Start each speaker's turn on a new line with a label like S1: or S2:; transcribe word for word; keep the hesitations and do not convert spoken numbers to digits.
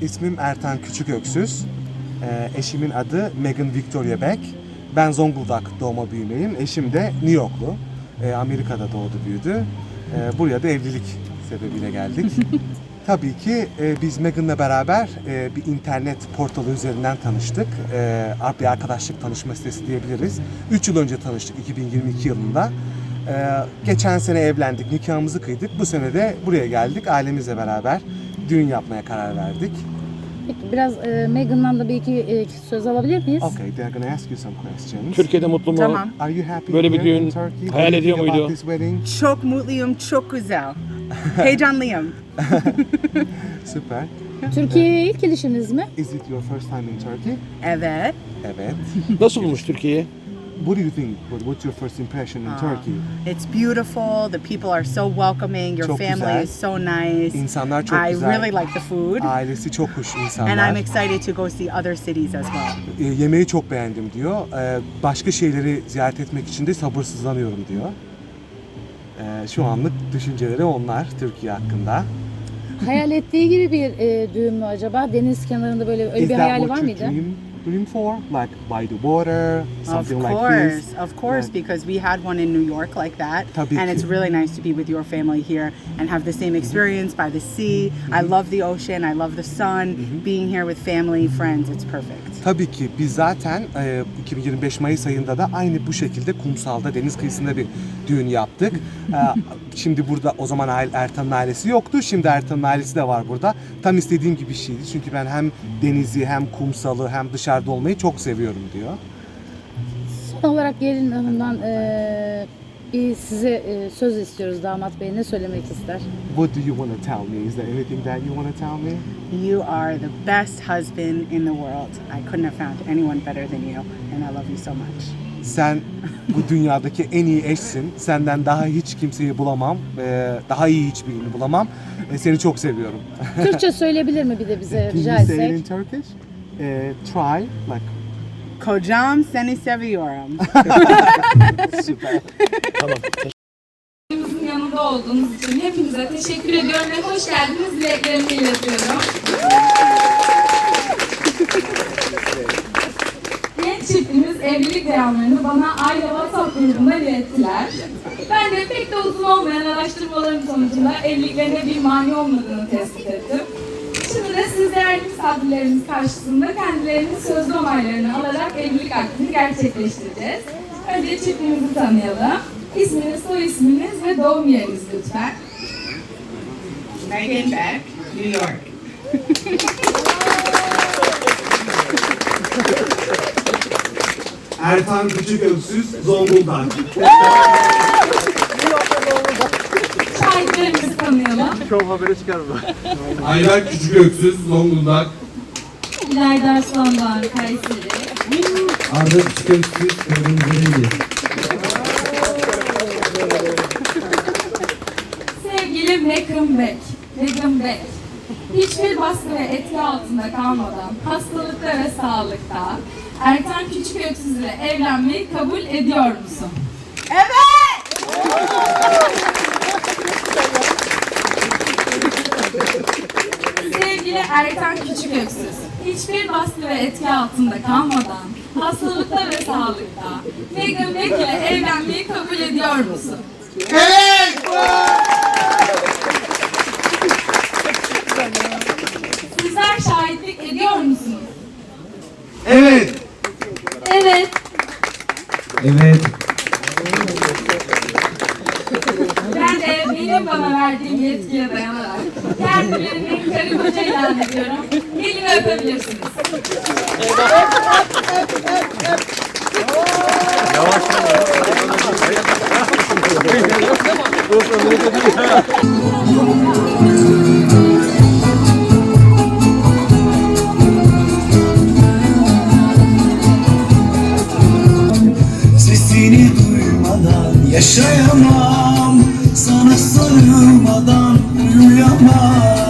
S1: İsmim Ertan Küçüköksüz. Ee, eşimin adı Megan Victoria Beck. Ben Zonguldak doğma büyümeyim. Eşim de New Yorklu. Ee, Amerika'da doğdu büyüdü. Ee, buraya da evlilik sebebiyle geldik. Tabii ki e, biz Megan'la beraber e, bir internet portalı üzerinden tanıştık. E, bir arkadaşlık tanışma sitesi diyebiliriz. üç yıl önce tanıştık, iki bin yirmi iki yılında. E, geçen sene evlendik, nikahımızı kıydık. Bu sene de buraya geldik, ailemizle beraber düğün yapmaya karar verdik.
S2: Peki biraz e, Megan'dan da bir iki e, söz alabilir miyiz?
S1: Okay, they're gonna ask you some questions.
S3: Türkiye'de mutlu mu?
S4: Tamam.
S1: Are you happy
S3: Böyle bir
S1: here in
S3: düğün
S1: Turkey? What
S3: hayal
S1: do you
S3: ediyor
S1: think about
S3: muydu?
S1: this wedding?
S4: Çok mutluyum, çok güzel. Heyecanlıyım.
S1: Süper.
S2: Türkiye'ye ilk gelişiniz mi?
S1: Is it your first time in Turkey?
S4: Evet.
S1: Evet.
S3: Nasıl bulmuş Türkiye'yi?
S1: What do you think? What, what's your first impression in Turkey?
S4: It's beautiful. The people are so welcoming. Your
S1: Çok
S4: family
S1: güzel.
S4: is so nice.
S1: İnsanlar çok
S4: I
S1: güzel.
S4: really like the food.
S1: Ailesi çok hoş
S4: And
S1: insanlar.
S4: I'm excited to go see other cities as well.
S1: E, yemeği çok beğendim diyor. E, başka şeyleri ziyaret etmek için de sabırsızlanıyorum diyor. E, şu anlık düşünceleri onlar Türkiye hakkında.
S2: Hayal ettiği gibi bir e, düğün mü acaba? Deniz kenarında böyle öyle
S1: Is
S2: bir
S1: that
S2: hayali
S1: what
S2: var
S1: you
S2: mıydı?
S1: dream, dream for? Like by the water,
S4: Of
S1: something like
S4: course,
S1: this?
S4: of course,
S1: Yeah.
S4: because we had one in New York like that,
S1: Tabii
S4: and
S1: ki.
S4: it's really nice to be with your family here and have the same experience by the sea. I love the ocean, I love the sun. Being here with family, friends, it's perfect.
S1: Tabii ki biz zaten e, iki bin yirmi beş Mayıs ayında da aynı bu şekilde kumsalda deniz kıyısında bir düğün yaptık. E, şimdi burada o zaman aile, Ertan'ın ailesi yoktu. Şimdi Ertan'ın ailesi de var burada. Tam istediğim gibi bir şeydi. Çünkü ben hem denizi hem kumsalı hem dışarıda olmayı çok seviyorum diyor.
S2: Son olarak gelin hanımdan e, bir size e, söz istiyoruz damat bey. Ne söylemek ister?
S1: What do you want to tell me? Is there anything that you want to tell me?
S4: You are the best husband in the world. I couldn't have found anyone better than you, and I love you so much.
S1: Sen bu dünyadaki en iyi eşsin. Senden daha hiç kimseyi bulamam. E, daha iyi hiçbirini bulamam. E, seni çok seviyorum.
S2: Türkçe söyleyebilir mi bir de bize
S1: Can
S2: rica
S1: you say it in
S2: etsek?
S1: Turkish? E, try like
S4: Kocam seni seviyorum.
S1: süper.
S3: Tamam.
S5: Bizimizin yanında olduğunuz için hepinize teşekkür ediyorum ve hoş geldiniz dileklerimi iletiyorum. Genç çiftimiz evlilik beyanlarını bana aile WhatsApp grubundan ilettiler. Ben de pek de uzun olmayan araştırmalarım sonucunda evliliklerine bir mani olmadığını tespit ettim. Şimdi de siz değerli misafirlerimiz karşısında kendilerinin sözlü onaylarını alarak evlilik akdini gerçekleştireceğiz. Önce çiftimizi tanıyalım. İsminiz, soy isminiz ve doğum yeriniz lütfen.
S4: Megan Beck, New York.
S1: Ertan Küçüköksüz, Zonguldak.
S5: Şahitlerimizi tanıyalım.
S6: Ayber Küçüköksüz, Zonguldak.
S5: İlayda Arslan'dan Kayseri.
S6: Arda Küçüköksüz, Kırmızılı.
S5: Sevgili Megan Beck. Megan Beck. Hiçbir baskı ve etki altında kalmadan hastalıkta ve sağlıkta Ertan Küçüköksüz ile evlenmeyi kabul ediyor musun?
S4: Evet!
S5: Sevgili Ertan Küçüköksüz, hiçbir baskı ve etki altında kalmadan hastalıkta ve sağlıkta Megan Beck ile evlenmeyi kabul ediyor musun? Sizler şahitlik ediyor musunuz?
S6: Evet.
S5: Evet.
S6: Evet.
S5: Ben de benim bana verdiğim yetkiye dayanarak kendilerini karı koca ilan ediyorum. Elimi öpebilirsiniz.
S7: Sesini duymadan yaşayamam, sana sarılmadan uyuyamam.